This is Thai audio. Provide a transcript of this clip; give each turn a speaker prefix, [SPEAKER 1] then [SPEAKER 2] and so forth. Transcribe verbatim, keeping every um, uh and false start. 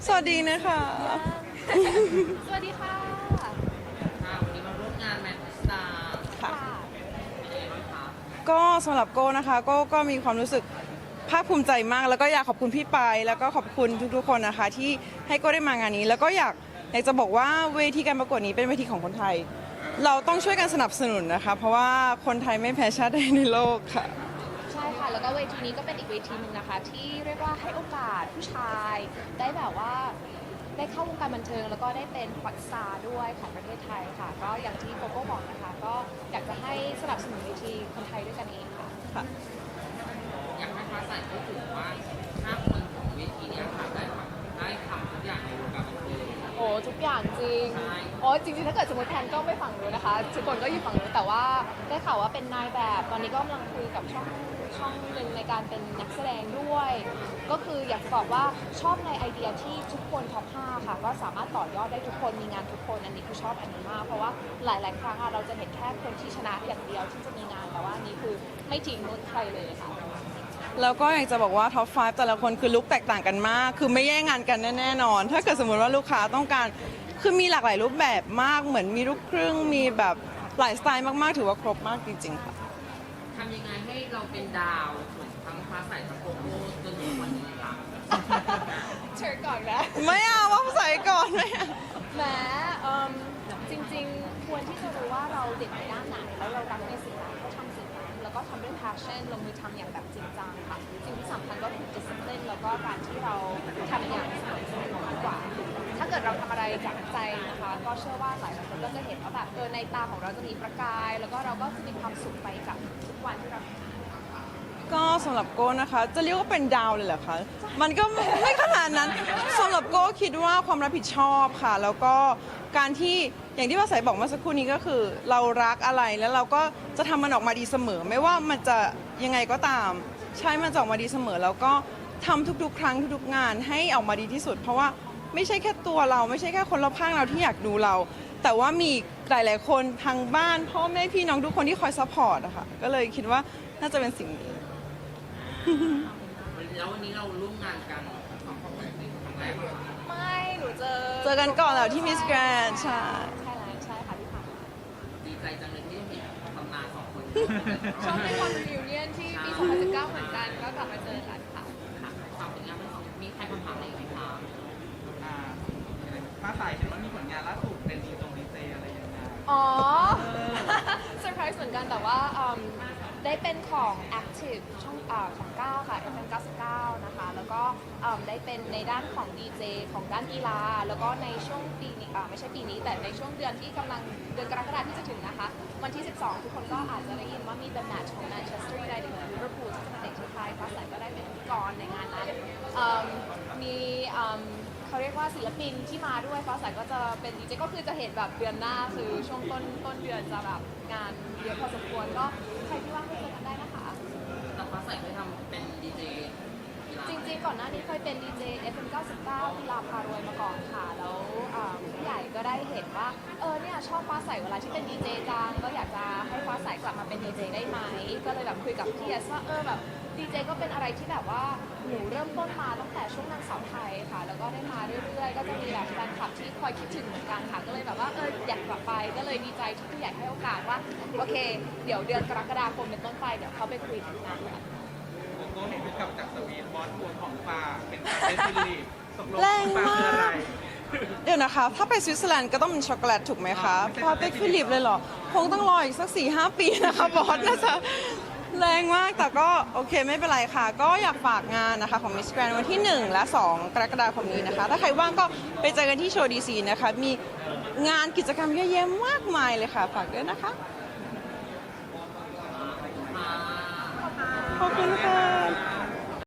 [SPEAKER 1] สวัสดีนะคะ
[SPEAKER 2] สวัสดีค่ะ
[SPEAKER 3] ค่ะวันนี้มาร่วมงานแมนสตาร์
[SPEAKER 1] ค่ะ
[SPEAKER 3] เป็นยังไงบ้างคะ
[SPEAKER 1] ก็สำหรับโก้นะคะโก้ก็มีความรู้สึกภาคภูมิใจมาก แล้วก็อยากขอบคุณพี่ปายแล้วก็ขอบคุณทุกๆคนนะคะ ที่ให้โก้ได้มางานนี้ แล้วก็อยากอยากจะบอกว่าเวทีการประกวดนี้เป็นเวทีของคนไทย เราต้องช่วยกันสนับสนุนนะคะ เพราะว่าคนไทยไม่แพ้ชาติใดในโลกค่ะ
[SPEAKER 2] ใช่ค่ะ แล้วก็เวทีนี้ก็เป็นอีกเวทีหนึ่งนะคะ ที่เรียกว่าให้โอกาสผู้ชายได้แบบว่าได้เข้าวงการบันเทิง แล้วก็ได้เป็นฮอตสตาร์ด้วยของประเทศไทยค่ะ ก็อย่างที่โกโก้บอกนะคะ ก็อยากจะให้สนับสนุนเวทีคนไทยด้วยกันเองค่ะ
[SPEAKER 1] ค่ะ
[SPEAKER 3] อยากให้ฟ้าใสพูดถึงว่าห้าคนของเวทีเนี้ยค่ะได้ทำได้ทำทุกอย่างในวงการบันเทิง
[SPEAKER 2] โอ้ทุกอย่างจริง
[SPEAKER 3] ใช่
[SPEAKER 2] โอ้จริงๆถ้าเกิดสมมติแทนก็ไม่ฝั่งนู้นนะคะทุกคนก็อยู่ฝั่งนู้นแต่ว่าได้ข่าวว่าเป็นนายแบบ ตอนนี้ก็กำลังคุยกับช่องช่องหนึ่งในการเป็นนักแสดงด้วย ก็คืออยากจะบอกว่าชอบในไอเดียที่ทุกคนท็อปห้าค่ะ ก็สามารถต่อยอดได้ทุกคนมีงานทุกคนอันนี้คือชอบอันนี้มาก เพราะว่าหลายๆครั้งอะเราจะเห็นแค่คนที่ชนะอย่างเดียวที่จะมีงานแต่ว่าอันนี้คือไม่ทิ้งนุชใครเลยค่ะ
[SPEAKER 1] แล้วก็อยากจะบอกว่าท็อปไฟว์แต่ละคนคือลุคแตกต่างกันมาก คือไม่แย่งงานกันแน่ๆนอน ถ้าเกิดสมมติว่าลูกค้าต้องการ คือมีหลากหลายรูปแบบมาก เหมือนมีลูกครึ่ง มีแบบหลายสไตล์มากๆ ถือว่าครบมากจริงๆค่ะ
[SPEAKER 3] ทำยังไงให้เราเป็นดาวเหมือนทั้งฟ้าใสทั้งโกโก้จนถึงวันนี้คะ
[SPEAKER 2] เชิญก่อนนะ
[SPEAKER 1] ไม่เอาว่าใส่ก่อนไม่เอา
[SPEAKER 2] แหมเอิ่มจริงๆ ควรที่จะรู้ว่าเราเด่นในด้านไหน แล้วเรารักในสิ่งนั้นก็ทำสิ่งนั้น แล้วก็ทำด้วย passion ลงมือทำอย่างแบบจริงจังค่ะ สิ่งที่สำคัญก็คือ discipline แล้วก็การที่เราทำอย่างสม่ำเสมอมากกว่า ถ้าเกิดเราทำอะไรจากใจนะคะ ก็เชื่อว่าหลายคนก็จะเห็นว่าแบบเออในตาของเราจะมีประกาย แล้วก็เราก็จะมีความสุขไปกับทุกวันที่เราทำ
[SPEAKER 1] ก็สำหรับโก้นะคะ จะเรียกว่าเป็นดาวเลยเหรอคะ มันก็ไม่ไม่ขนาดนั้นสำหรับโก้คิดว่าความรับผิดชอบค่ะ แล้วก็การที่อย่างที่ภาษาบอกเมื่อสักครู่นี้ก็คือ เรารักอะไรแล้วเราก็จะทำมันออกมาดีเสมอ ไม่ว่ามันจะยังไงก็ตาม ใช่มันจะออกมาดีเสมอ แล้วก็ทำทุกๆ ครั้งทุกๆงานให้ออกมาดีที่สุด เพราะว่าไม่ใช่แค่ตัวเราไม่ใช่แค่คนรอบข้างเราที่อยากดูเรา แต่ว่ามีหลายๆคนทางบ้านพ่อแม่พี่น้องทุกคนที่คอยซัพพอร์ตอะค่ะก็เลยคิดว่าน่าจะเป็นสิ่งนี้
[SPEAKER 3] แล้ววันนี้เราร่วมงานกันสองคนเป็นครั้งแรกเหรอคะ
[SPEAKER 2] ไม่ หนูเจอ
[SPEAKER 1] เจอกันก่อนแล้วที่มิสแกรนใช่
[SPEAKER 2] ใช่แล้วใช่ค่ะที่ผ่านมา
[SPEAKER 3] ดีใจจังเลยที่เห็นตำนานสองคน
[SPEAKER 2] ชอบเป็นความรีวิเนียนที่ปีสองพันสิบเก้าเหมือนกัน ก็กลับมาเจอกันค่ะ
[SPEAKER 3] ค่ะฝากผลงานทั้งสองมีใครคำถามอะไรอีกไหมคะ
[SPEAKER 4] อ่าฟ้าใสเห็นว่ามีผลงานล่าสุดเป็นดีตรงดีเจอะไรอย่างเงี้ย
[SPEAKER 2] อ๋อ เซอร์ไพรส์เหมือนกันแต่ว่าอืมได้เป็นของ Active ช่องอาของเก้าค่ะ เอฟ เอ็ม เก้าสิบเก้านะคะ แล้วก็อืมได้เป็นในด้านของ ดี เจ ของด้านกีฬา แล้วก็ในช่วงปีนี้อ่าไม่ใช่ปีนี้ แต่ในช่วงเดือนที่กำลังเดือนกรกฎาคมที่จะถึงนะคะ วันที่ สิบสอง ทุกคนก็อาจจะได้ยินว่ามี The Match ของ Manchester United กับ Liverpool ที่จะมาเตะที่ไทยฟ้าใสก็ได้เป็นพิธีกรในงานนั้นอืมมีอืม เขาเรียกว่าศิลปินที่มาด้วยฟ้าใสก็จะเป็นดีเจก็คือจะเห็นแบบเดือนหน้าคือช่วงต้นต้นเดือนจะแบบงานเยอะพอสมควรก็ใครที่ว่างก็เจอกันได้นะคะ
[SPEAKER 3] แต่ฟ้าใสเคยทำเป็นดีเจกีฬา
[SPEAKER 2] จริงๆก่อนหน้านี้เคยเป็นดีเจ เอฟ เอ็ม เก้าสิบเก้ากีฬาพารวยมาก่อนค่ะ แล้วอ่าผู้ใหญ่ก็ได้เห็นว่าเออเนี่ยชอบฟ้าใสเวลาที่เป็นดีเจจังก็อยากจะให้ฟ้าใสกลับมาเป็นดีเจได้ไหมก็เลยแบบคุยกับพี่เอสว่าเออแบบดีเจก็เป็นอะไรที่แบบว่าหนูเริ่มต้นมาตั้งแต่ช่วงนางสาวไทยค่ะ แล้วก็ได้มาเรื่อยๆ ก็จะมีแบบแฟนคลับที่คอยคิดถึงเหมือนกันค่ะ ก็เลยแบบว่าเอออยากกลับไปก็เลยดีใจที่ผู้ใหญ่ให้โอกาสว่าโอเค เดี๋ยวเดือนกรกฎาคมเป็นต้นไปเดี๋ยวเขาไปคุยกันค่ะ
[SPEAKER 4] โกโก้เห็นกลับจากสวีทบอสทัวร์ของฟ้าเป็นการเป็นฟิลิปตกลง
[SPEAKER 1] แรง
[SPEAKER 4] ฟ้าม
[SPEAKER 1] าก
[SPEAKER 4] คืออะไร
[SPEAKER 1] เดี๋ยวนะคะ ถ้าไปสวิตเซอร์แลนด์ก็ต้องเป็นช็อกโกแลตถูกไหมคะ
[SPEAKER 4] อ๋อไม่ใช่
[SPEAKER 1] พอไปฟิลิปเลยเหรอ คงต้องรออีกสักสี่ห้าปีนะคะบอสน่าจะแรงมากแต่ก็โอเคไม่เป็นไรค่ะ ก็อยากฝากงานนะคะของ Miss Grand วันที่ หนึ่ง และ สอง กรกฎาคมนี้นะคะ ถ้าใครว่างก็ไปเจอกันที่โชว์ดีซีนะคะ มีงานกิจกรรมเยอะแยะมากมายเลยค่ะ ฝากด้วยนะคะ
[SPEAKER 3] มา
[SPEAKER 1] ขอบคุณค่ะ